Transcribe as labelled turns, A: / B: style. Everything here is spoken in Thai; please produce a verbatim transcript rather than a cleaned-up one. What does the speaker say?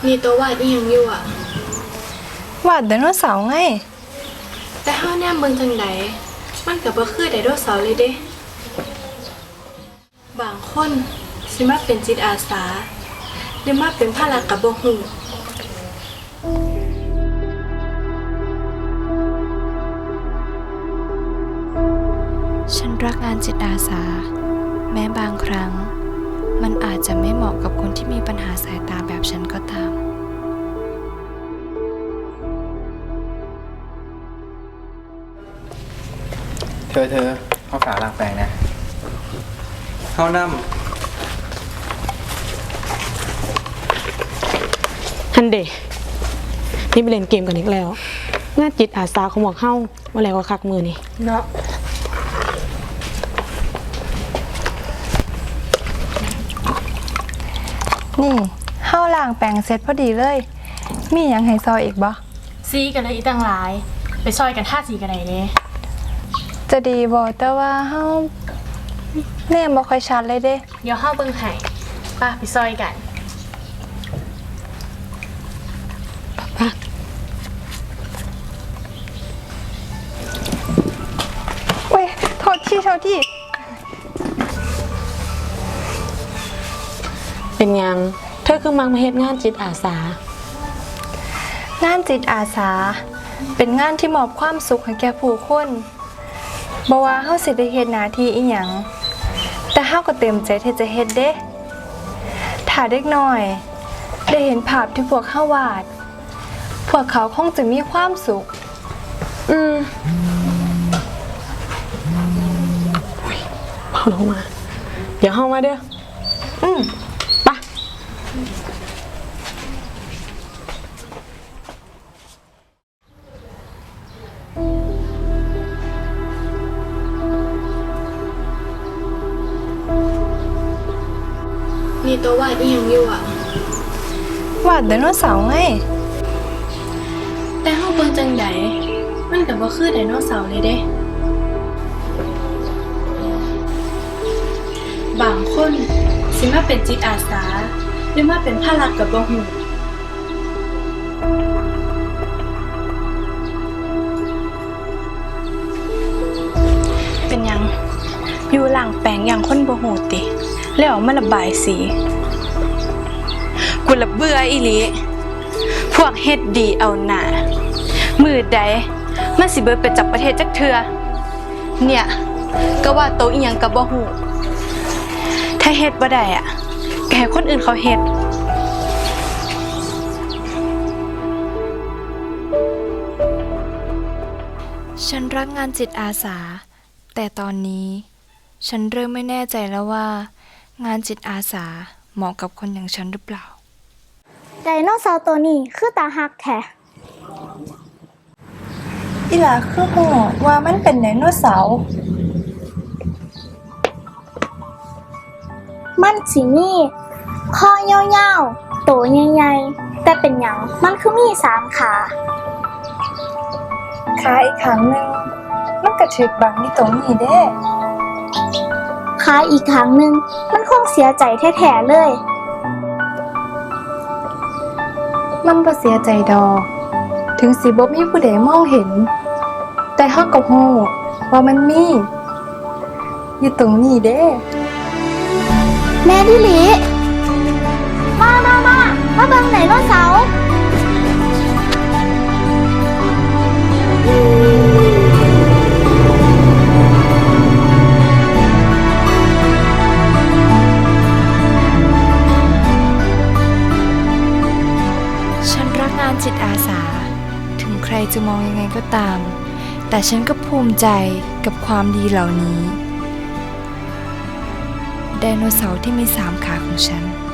A: นี่ตัววาดอีหยังอยู่อ่ะ
B: วาดไดโนเสาร์ไง
A: แต่เฮาแนมเบิ่งจังไดมันก็บ่คือไดโนเสาร์เลยเด้บางคนสิมาเป็นจิตอาสาหรือมาเป็นภาระก็บ่ฮู้
B: ฉันรักงานจิตอาสาแม้บางครั้งมันอาจจะไม่เหมาะกับคนที่มีปัญหาสายตาแบบฉันก็ตาม
C: เธอเธอเข้าขาล้างแปรงนะเข้าน้ำ
D: ฮันเดนี่ไปเล่นเกมกันอีกแล้วงานจิตอาสาของหมอกเข้ามาแล้วก็คักมือนี่เนาะ
B: นี่เฮาล้างแปรงเสร็จพอดีเลยมีหยังให้ซอยอีกบ่
E: ซีกันเลยอีตั้งหลายไปซอยกันท่าสีกันไหนเนี่ย
B: จะดีบ่แต่ว่าเฮาแนมบ่ค่อยชัดเลยเด้
E: เดี๋ยวเข้าเบิ่งให้ป้าไปซอยกัน
D: ป้า
B: เว้ยโทษที่โทษที่
D: เป็นยังเธอคือมังมาเฮ็ดงานจิตอาสาง
B: านจิตอาสาเป็นงานที่มอบความสุขให้แก่ผู้คนบ่ว่าเฮาสิได้เฮ็ดหน้าที่อีหยังแต่เฮาก็เต็มใจที่จะเฮ็ดเด้ถ้าเด็กน้อยได้เห็นภาพที่พวกเฮาวาดพวกเขาคงจะมีความสุข
D: อืมพอลงมาเดี๋ยวเข้ามาเด้อ
B: อืม
D: ไป
A: นี่ตัววาดอีหยังอยู่อ่ะ
B: วาดไดโนเสาร์ไง
A: แต่เฮาเบิ่งจังไดมันก็บ่คือไดโนเสาร์เลยเด้บางคนสิมาเป็นจิตอาสาหรือมาเป็นภาระก็บ่ฮู้
B: เป็นหยังอยู่หลังแปลงอย่างคนบ่ฮู้ติแล้วเอามาระบายสีกูละเบื่ออีหลีพวกเฮ็ดดีเอาหน้ามือใดมันสิเบิดไปจับประเทศจักเทื่อเนี่ยก็ว่าโตอีหยังก็บ่ฮู้ถ้าเฮ็ดบ่ได้อ่ะก็ให้คนอื่นเขาเฮ็ดฉันรักงานจิตอาสาแต่ตอนนี้ฉันเริ่มไม่แน่ใจแล้วว่างานจิตอาสาเหมาะกับคนอย่างฉันหรือเปล่า
F: ไดโนเสาร์ตัวนี้คือตาฮักแท้
B: อีหลาคือฮู้ว่ามันเป็นไดโนเสาร์
F: มันสิมีคอยาวๆโตใหญ่ๆแต่เป็นหยังมันคือมีสามขา
B: ขาอีกข้างนึงมันก็ถูกบังอยู่ตรงนี้เด้
F: ขาอีกครั้งหนึ่งมันคงเสียใจแท้ๆเลย
B: มันบ่เสียใจดอกถึงสิบ่มีผู้ใดมองเห็นแต่เฮาก็ฮู้ว่ามันมีอยู่ตรงนี้เด้
F: แม่ดิลิมามามามาเบิ่งไดโนเสาร์
B: ฉันรักงานจิตอาสาถึงใครจะมองยังไงก็ตามแต่ฉันก็ภูมิใจกับความดีเหล่านี้ไดโนเสาร์ที่มีสามขาของฉัน